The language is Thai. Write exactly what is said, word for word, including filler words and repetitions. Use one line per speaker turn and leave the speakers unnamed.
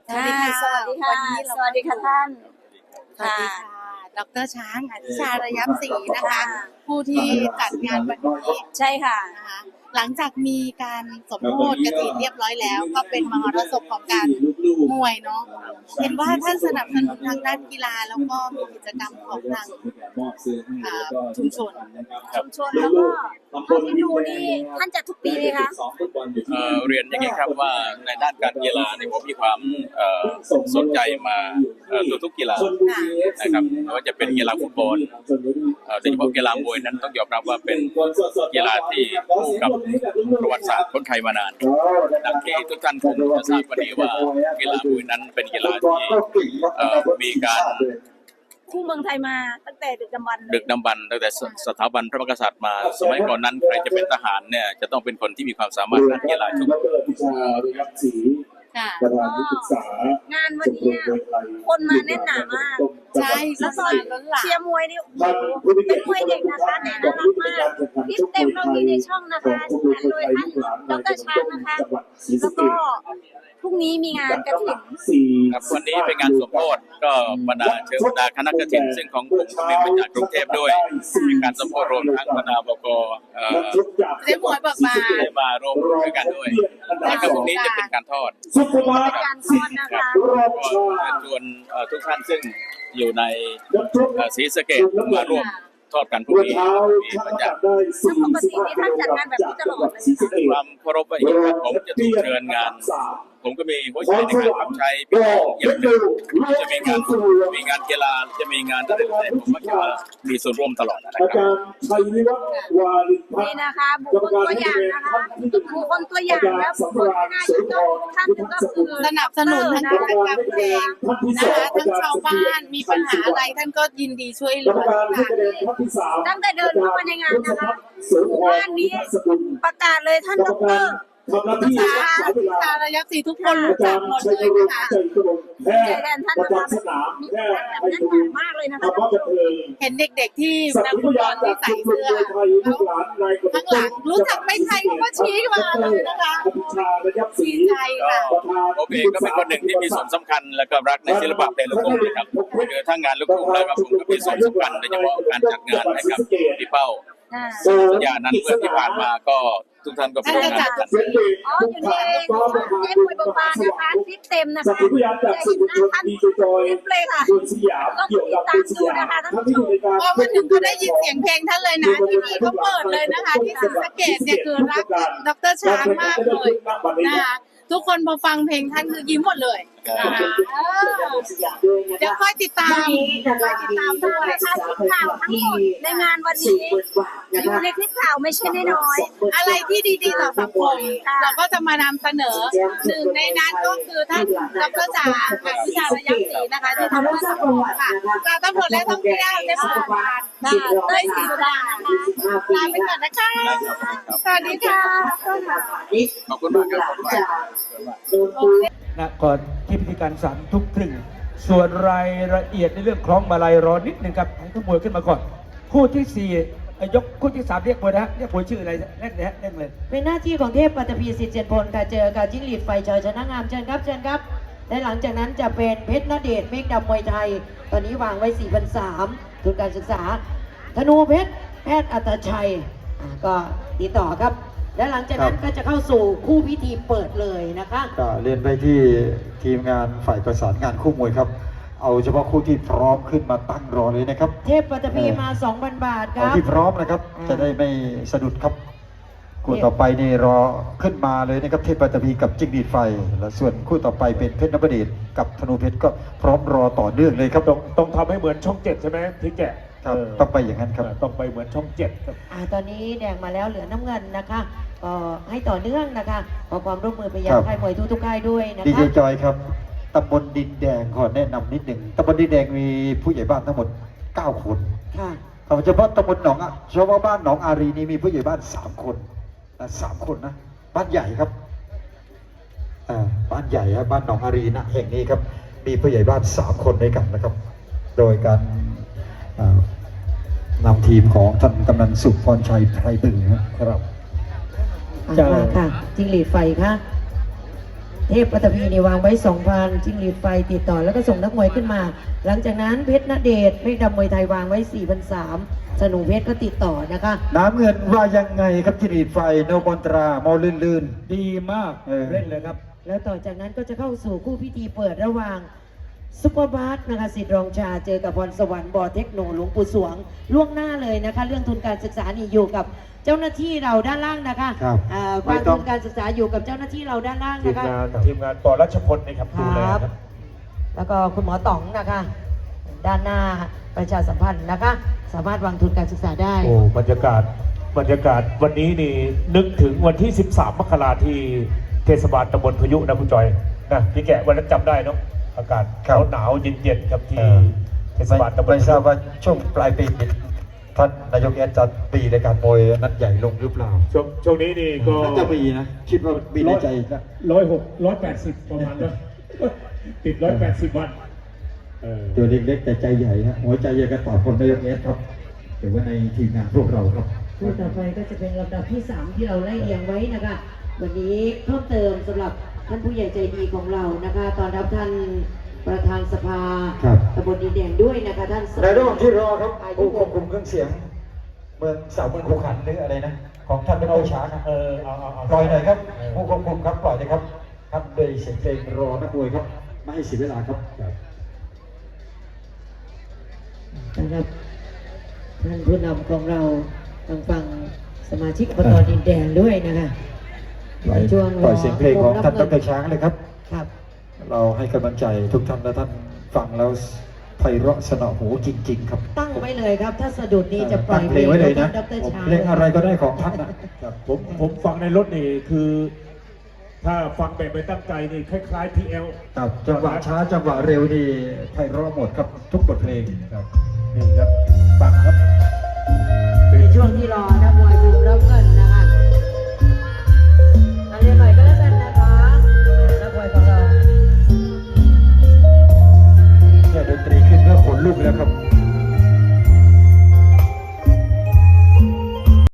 สวัสดีค่ะ
สวัสดีค่ะ
วันนี้เรา
สวัสดีค่ะท่าน
สวัสดีค่ะดรช้างอธิชาระยับศรีนะคะ ผู้ที่จัดงานวันนี้
ใช่ค่ะ
นะคะหลังจากมีการสมโภชกฐินเรียบร้อยแล้ว ก็เป็นมหรสพของการมวยเนาะเห็นว่าท่านสนับสนุนทางด้านกีฬาแล้วก็มีกิจกรรมของทางอ่าชุมชน
ชุมชนแล้วก็เท่าที่ดูนี่ท่านจัดทุกปีไหมคะ
เอ่อเรียนอย่างนี้ครับว่าในด้านการกีฬาเนี่ยผมมีความเอ่อสนใจมาเอ่อทุกๆกีฬานะครับไม่ว่าจะเป็นกีฬาฟุตบอลเอ่อโดยเฉพาะกีฬามวยนั้นต้องยอมรับว่าเป็นกีฬาที่คู่กับประวัติศาสตร์คนไทยมานานดังที่ทุกท่านคงจะทราบวันนี้ว่ากีฬามวยนั้นเป็นกีฬาที่เอ่อมีการ
คู่เมืองไทยมาตั้งแต่ดึกดำบรรพ์เลย
ดึกดำบรรพ์ตั้งแต่สสถาบันพระมหากษัตริย์มาสมัยก่อนนั้นใครจะเป็นทหารเนี่ยจะต้องเป็นคนที่มีความสามารถด้านกีฬาทุก
ค่ะ
ประธานที่ปรึกษาง
านวันนี้คนมาแน่นหนามาก
ใช่
แล้วตอน
ล้นหลาม
เชียร์มวยนี่โอ้โหเป็นมวยเด็กนะคะแต่น่ารักมากคลิปเต็มเรามีในช่องนะคะโดยท่านดรช้างนะคะ แล้วก็พรุ่งนี้มีงานกฐิน
ครับวันนี้เป็นงานสมโภชก็บรรดาเชิญบรรดาคณะกฐินซึ่งของผมก็เป็นมาจากกรุงเทพด้วยมีการสมโภชรวมทั้งบรรดาบกเอ่อ
เจ๊หมวยเบิกบาน
ได้มาร่วมด้วยกันด้วยแล้วก็พรุ่งนี้จะเป็นการทอด
เป็นการทอดนะ
ครั
คะ
บก็เชิญชวนเอ่อทุกท่านซึ่งอยู่ในเอ่อศรีสะเกษมาร่วมทอดกันพรุ่งนี้มีบรรยากาศ
ซึ่งปกตินี่ท่านจัดงานแบบนี้ตลอดเลยนะคะ
ความเคารพว่าอย่างนี้ครับผมจะถูกเชิญงาน ผมก็มีหัวใจในการรับใช้พี่น้องอย่างหนึ่งจะมีงานมีงานกีฬาจะมีงานอะไรต่างๆผมมักจะมีส่วนร่วมตลอดนะค
อา
รับ
จารย์ชัยวิวัฒน์วาริพัฒ
นี่
น์
นะคะบุคคลตัวอย่างนะคะบุคคลตัวอย่างและบุคคลที่น่าจะต้องท่านหนึ่งก็คือ
สนับสนุนทั้งกิจกรรมเพลงนะคะทั้งชาวบ้านมีปัญหาอะไรท่านก็ยินดีช่วยเห
ก
ลื
รรม
อ
การ
ค่ะ
ผู้แสดงท่านที่สาม
ตั้งแต่เดินเข้ามาในงานนะคะหมู่บ้านนี้ประกาศเลยท่านดร
ทำหน้าที่
ช้า
รักษาเวลา
ชาระยับศรีทุกคนรู้
อา
จั
จาก รย์
หมด
ชัย
เลย
วิ
นะ
วัฒ
คะ
น์ใจกระมงแพทย์
แทนท่าน
ประ
นะคะ
จำสนาม
มี
แพ
แบ
ทย์
บ
ให้
นั้น
ดู
มากเลยนะ
ธร
คะ
รมะบันเทิง
เห็นเด็กๆที่
สัก
นัก
ขี
ฟุ
พ
ตบ
ยา
อน ล
จาก
ที่
ชุ
ใส่
มชน
เสื้อ
มวยไทยลูกหลานนาย
ข้างหลังรู้จักไม่ไทยเขาก็ชี้มาเลยนะคะ
อภิชาระยับศรี
ดีใจค่ะ
ประธาน
ผมเองก็เป็นคนหนึ่งที่มีส่วนสำคัญและก็รักในศิลปะเพลงลูกทุ่งนะครับคือทั้งงานลูกทุ่งแล้วก็ผมก็มีส่วนสำคัญโดยเฉพาะการจัดงานให้กับพี่เป้า
อ่า
สัญญานั้นเมื่อที่ผ่านมาก็ทุกท่านก็เป็นงานกัน
อ๋ออยู่นี่เองเจ๊มวยเบิกบานนะคะคลิปเต็มนะ
สัก
คะ
ขีพยานจาก
จะ
สื่
เห็
อน มวล
หน้า
ชน
ท่าน
ดีจอย
คลิปเลยค่ะ
โดยสยามเกี่ยวกับเป็นสยามท่านที่อยู่ในการ
พอมาถึงก็ได้ยินเสียงเพลงท่านเลยนะทีวีก็เปิดเลยนะคะ ที่ศรีสะเกษเนี่ยคือรักดรช้างมากเลยนะคะทุกคนพอฟังเพลงท่านคือยิ้มหมดเลยนะคะเออเดี๋ยวค่อยติดตามค่อยติดตามด้วย
นะคะคลิปข่าวทั้งหมดในงานวันนี้อยู่ในคลิปข่าวไม่ใช่น้อย
อะไรที่ดีๆต่อสังคมเราก็จะมานำเสนอหนึ่งในนั้นก็คือท่านดรจ๋าค่ะวิชาระยับศรีนะคะที่ทำเพื่อสังคมค่ะการตำรวจและท่องเที่ยวเทศบาลค่ะด้วยศรีสุดานะคะลาไปก่อนนะคะสวัสดีค่ะ
ขอบคุณมากครับขอบคุณมาก
นะก่อนที่พิธีการศาลทุกครึ่งส่วนรายละเอียดในเรื่องคล้องมาลัยรอนิดนึงครับให้ทุกมวยขึ้นมาก่อน คู่ที่สี่เอ่อยกคู่ที่สามเรียกมวยนะฮะเรียกมวยชื่ออะไรเล่นเลยฮะเล่นเลย
เป็นหน้าที่ของเทพปัตตภีสิทธิ์เจนพลค่ะเจอกับจิ้งหรีดไฟจอยชนะงามเชิญครับเชิญครับและหลังจากนั้นจะเป็นเพชรณเดชน์เมฆดำมวยไทย ตอนนี้วางไว้ สี่พันสามร้อย ทุนการศึกษา ธนูเพชรแพทย์อัตชัยอ่าก็ติดต่อครับ และหลังจากนั้นก็จะเข้าสู่คู่พิธีเปิดเลยนะคะ
ก็เรียนไปที่ทีมงานฝ่ายประสานงานคู่มวยครับ เอาเฉพาะคู่ที่พร้อมขึ้นมาตั้งรอเลยนะครับ
เทพปัตตภีมา สองพัน บาทค
เอา
รับ
ที่พร้อมนะครับ
อ่า
จะได้ไม่สะดุดครับคู่ต่อไปนี่รอขึ้นมาเลยนะครับเทพปัตตภีกับจิ้งหรีดไฟ และส่วนคู่ต่อไปเป็นเพชรนพเดชกับธนูเพชรก็พร้อมรอต่อเนื่องเลยครับ
ต้องต้องทำให้เหมือนช่องเจ็ดใช่ไหมพี่แกะ
ครับ
เออ
ต้องไปอย่างนั้นครับ
ต้องไปเหมือนช่องเจ็ดครับ
อ่าตอนนี้แดงมาแล้วเหลือน้ำเงินนะคะก็ให้ต่อเนื่องนะคะขอความร่วมมือไปยัง
ครับ
ค่ายมวยทุกๆค่ายด้วยนะ
ดีเจ
คะ
จอยครับตำบลดินแดงขอแนะนำนิดหนึ่งตำบลดินแดงมีผู้ใหญ่บ้านทั้งหมดเก้าคน
ค่ะ
เฉพาะตำบลหนองอะเฉพาะบ้านหนองอารีนี่มีผู้ใหญ่บ้านสามคนนะสามคนนะบ้านใหญ่ครับอ่าบ้านใหญ่ครับบ้านหนองอารีนะแห่งนี้ครับมีผู้ใหญ่บ้านสามคนด้วยกันนะครับ โดยการอ่านำทีมของท่านกำนันสุขพรชัยไพรบึงนะครับ
อ่ะ
เจ้า
มาค่ะจิงหรีดไฟค่ะเทพปัตภีนี่วางไว้สองพันจิ้งหรีดไฟติดต่อแล้วก็ส่งนักมวยขึ้นมา หลังจากนั้นเพชรณเดชเพชรดำมวยไทยวางไว้สี่พันสามสนุเพชรก็ติดต่อนะคะ
น้ำเงินว่ายังไงครับจิรีดไฟโนบอนตรามอลื่นลื่น
ดีมาก
เออ
เล่นเลยครับ
แล้วต่อจากนั้นก็จะเข้าสู่คู่พิธีเปิดระหว่างซุปเปอร์บาสนะคะสิทธิ์รองชาเจอกับพรสวรรค์บอเทคโนหลวงปู่สวงล่วงหน้าเลยนะคะ เรื่องทุนการศึกษานี่อยู่กับเจ้าหน้าที่เราด้านล่างนะคะ
ครับ
อ่า
ไม่
วาง
ต้อ
ทุ
ง
นการศึกษาอยู่กับเจ้าหน้าที่เราด้านล่าง
ที
นะ
ม
คะ
งานทีมงานปอรัชพลนะครับ
ค
ดูแล
รับ
ครับ
แล้วก็คุณหมอต๋องนะคะ ด้านหน้าประชาสัมพันธ์นะคะ สามารถวางทุนการศึกษาได้
โอ้บรรยากาศบรรยากาศวันนี้นี่นึกถึงวันที่ สิบสาม มกราที่เทศบาลตำบลพายุนะคุณจอยนะพี่แกะวันนั้นจำได้เนาะอากาศ
ครับ
หนาวๆเย็นๆครับที่
เออ
เทศบาลตำบล
ไม่
พา
ทรา
ยุ
บว่าช่วงปลายปีนี้ท่านนายกแอดจะปีในการมวยนัดใหญ่ลงหรือเปล่า
ช่วงช่วงนี้นี่ก็
น่าจะมีนะ คิดว่ามีในใจนะ
ร้อยหกร้อยแปดสิบประมาณนั้น ติดร้อยแปดสิบวันเออ
ตัวเล็กๆแต่ใจใหญ่นะหัวใจใหญ่กันต่อคนนายกแอดครับถือว่าในทีมงานพวกเราครับ
คู่ต่อไปก็จะเป็นลำดับที่สามที่เราไล่เรียงไว้นะคะ วันนี้เพิ่มเติมสำหรับท่านผู้ใหญ่ใจดีของเรานะคะตอนรับท่านประธานสภา
ครับ
ตำบลดินแดงด้วยนะคะท่าน
ในระหว่างที่รอครับผู้ควบคุมเครื่องเสียง เมืองสาวเมืองคูขันหรืออะไรนะ ของท่านดรช้างนะ
เออเอาเอาเอา
ปล่อยหน่อยครับผู้ควบคุมครับปล่อยเลยครับครับโดยเสียงเพลงรอนักมวยครับไม่ให้เสียเวลาครับ
นะครับท่านผู้นำของเราฟังฟังสมาชิกอบตดินแดงด้วยนะคะ
ปล่อย
ช่วง
ปล่อยเสียงเพลงของท่านดรช้างเลยครับ
ครับ
เราให้กำลังใจทุกท่านและท่านฟังแล้วไพเราะสนอหูจริง ๆ ครับ
ตั้งไว้เลยครับ ถ้าสะดุดนี้จะปล่อย
ตั้งเพลงไว้เลยนะ
ของท่าดรช้าง
เพลงอะไรก็ได้ของท่านนะครับ
ผมผมฟังในรถนี่คือ ถ้าฟังแบบไม่ตั้งใจนี่คล้ายๆพีเอล
ครับจังหวะช้าจังหวะเร็วนี่ไพเราะหมดครับทุกบทเพลงครับ
นี่ครับฝาก